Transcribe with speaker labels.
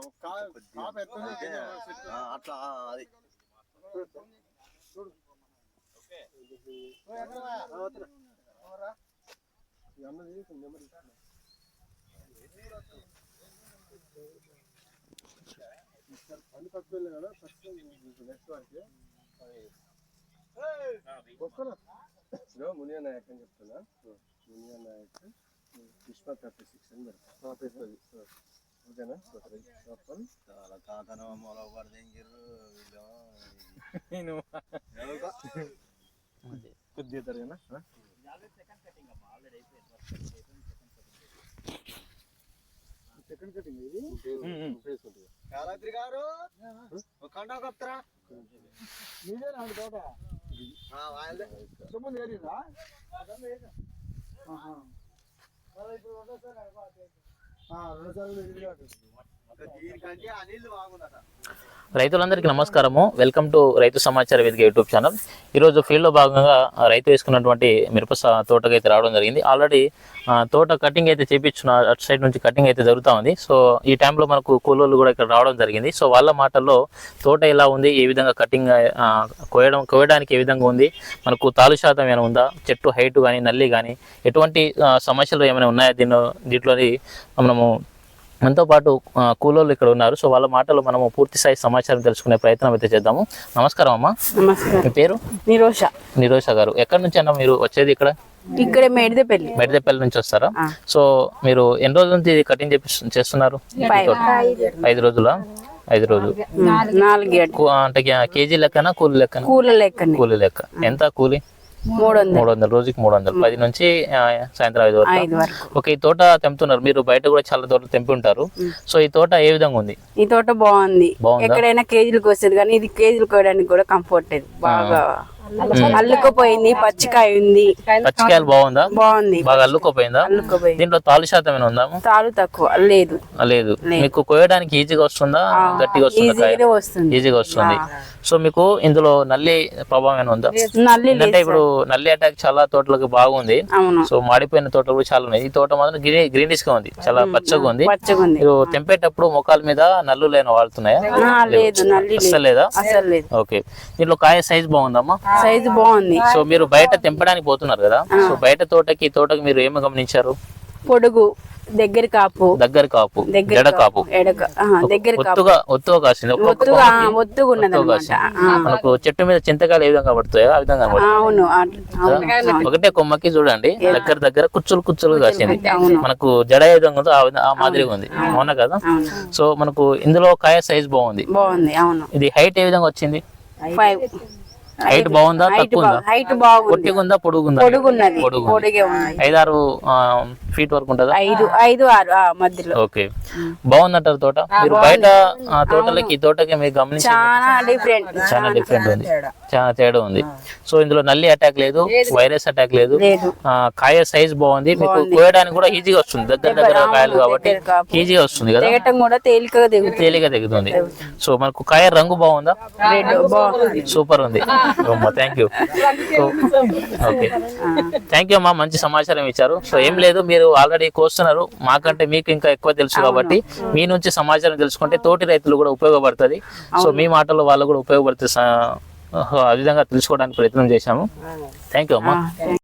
Speaker 1: అట్లా అది పని తక్కువ కదా నెక్స్ట్ వారికి వస్తున్నా మునియా నాయక్ అని చెప్తున్నా. మునియా నాయక్ పుష్ప 36 అని పెడతాను. ఓకేనా? చాలా తాతన మొల పడదించారు వీళ్ళు కొద్దిగా తరగనా. సెకండ్ కటింగ్ ఇది ఫేస్ ఉంటుంది. కాలాద్రి గారు కండా కప్తరా మీదే నాకు తోట సొమ్ము ఏరిరా
Speaker 2: రైతులందరికీ నమస్కారము. వెల్కమ్ టు రైతు సమాచార వేదిక యూట్యూబ్ ఛానల్. ఈరోజు ఫీల్డ్లో భాగంగా రైతు వేసుకున్నటువంటి మిరప తోటకి అయితే రావడం జరిగింది. ఆల్రెడీ తోట కటింగ్ అయితే చేయించున్న అటు సైడ్ నుంచి కటింగ్ అయితే జరుగుతూ ఉంది. సో ఈ టైంలో మనకు కూలోళ్ళు కూడా ఇక్కడ రావడం జరిగింది. సో వాళ్ళ మాటల్లో తోట ఎలా ఉంది, ఏ విధంగా కటింగ్ కోయడానికి ఏ విధంగా ఉంది, మనకు తాలు శాతం ఏమైనా ఉందా, చెట్టు హైట్ కానీ నల్లి కానీ ఎటువంటి సమస్యలు ఏమైనా ఉన్నాయా దీంట్లోని మనము మనతో పాటు కూలోళ్ళు ఇక్కడ ఉన్నారు. సో వాళ్ళ మాటలు మనము పూర్తి స్థాయి సమాచారం తెలుసుకునే ప్రయత్నం అయితే చేద్దాము. నమస్కారం అమ్మా. మీ పేరు? నిరోష గారు. ఎక్కడి నుంచి అన్న మీరు వచ్చేది? ఇక్కడ మెడిదెపల్లి నుంచి వస్తారా? సో మీరు ఎన్ని రోజుల నుంచి కటింగ్ చేస్తున్నారు? 5 రోజులా? 5 రోజులు. అంటే కేజీ లెక్కనా కూలి లెక్కన? కూలి లెక్క. ఎంత కూలి? 300. రోజుకి 300. 10 నుంచి సాయంత్రం 5 వరకు. ఓకే. ఈ తోట తెంపుతున్నారు మీరు, బయట కూడా చాలా తోటలు తెంపి ఉంటారు. సో ఈ తోట ఏ విధంగా ఉంది?
Speaker 3: ఈ తోట బాగుంది. ఎక్కడైనా కేజీలకు వస్తుంది, కానీ ఇది కేజీలు కోయడానికి కూడా కంఫర్ట్. బాగా అల్లుకుపోయింది. పచ్చికాయ ఉంది.
Speaker 2: పచ్చికాయలు బాగుందా?
Speaker 3: బాగుంది.
Speaker 2: బాగా అల్లుకుపోయిందా? దీంట్లో తాలు శాతం ఏమైనా ఉందా?
Speaker 3: తాలు తక్కువ లేదు.
Speaker 2: మీకు కోయడానికి ఈజీగా వస్తుందా, గట్టిగా వస్తుందా? ఈజీగా వస్తుంది. సో మీకు ఇందులో నల్లి ప్రభావం ఏమైనా ఉందా? అంటే ఇప్పుడు నల్లి అటాక్ చాలా తోటలకు బాగుంది. సో మాడిపోయిన తోటలు కూడా చాలా ఉన్నాయి. ఈ తోట మాత్రం గ్రీనిష్ గా ఉంది, చాలా పచ్చగా ఉంది. మీరు తెంపేటప్పుడు ముఖాల మీద నల్లు లేని వాడుతున్నాయా? అసలు లేదా? ఓకే. దీంట్లో కాయ సైజ్ బాగుందమ్మా?
Speaker 3: సైజు బాగుంది.
Speaker 2: సో మీరు బయట తెంపడానికి పోతున్నారు కదా, సో బయట తోటకి మీరు ఏమి గమనించారు?
Speaker 3: పొడుగు, దగ్గర కాపు,
Speaker 2: జడ కాపు, ఒత్తుగా కాసింది. మనకు చెట్టు మీద చింతకాయలు ఏ విధంగా పడుతాయో ఆ విధంగా ఒకటే కొమ్మకి చూడండి దగ్గర కుచ్చులు కాసింది. మనకు జడ ఏ విధంగా ఉందో ఆ మాదిరిగా ఉంది. అవునా కదా? సో మనకు ఇందులో కాయ సైజ్ బాగుంది. ఇది హైట్ ఏ విధంగా వచ్చింది?
Speaker 3: 5.
Speaker 2: హైట్ బాగుందా, తక్కువ ఉందా?
Speaker 3: హైట్ బాగుంది.
Speaker 2: పొట్టిగుందా, పొడుగుందా? 5-6 ఫీట్ వరకు ఉంటుందా?
Speaker 3: 5-6 మధ్యలో.
Speaker 2: ఓకే. బాగుందంటారు తోట. మీరు బయట తోటలకి ఈ తోటకి మీరు గమనించి చాలా డిఫరెంట్ ఉంది, చాలా తేడా ఉంది. సో ఇందులో నల్లి అటాక్ లేదు, వైరస్ అటాక్ లేదు. కాయ సైజ్ బాగుంది. మీకు కోయడానికి కూడా ఈజీగా వస్తుంది. దగ్గర కాయలు కాబట్టి ఈజీగా వస్తుంది కదా, తేలిక దిగుతుంది. సో మనకు కాయ రంగు బాగుందా? సూపర్ ఉంది. Thank you. Okay, thank you అమ్మా, మంచి సమాచారం ఇచ్చారు. సో ఏం లేదు, మీరు ఆల్రెడీ కోస్తున్నారు, మాకంటే మీకు ఇంకా ఎక్కువ తెలుసు కాబట్టి మీ నుంచి సమాచారం తెలుసుకుంటే తోటి రైతులు కూడా ఉపయోగపడుతుంది. సో మీ మాటల్లో వాళ్ళు కూడా ఉపయోగపడుతుంది, ఆ విధంగా తెలుసుకోవడానికి ప్రయత్నం చేశాము. థ్యాంక్ యూ అమ్మా.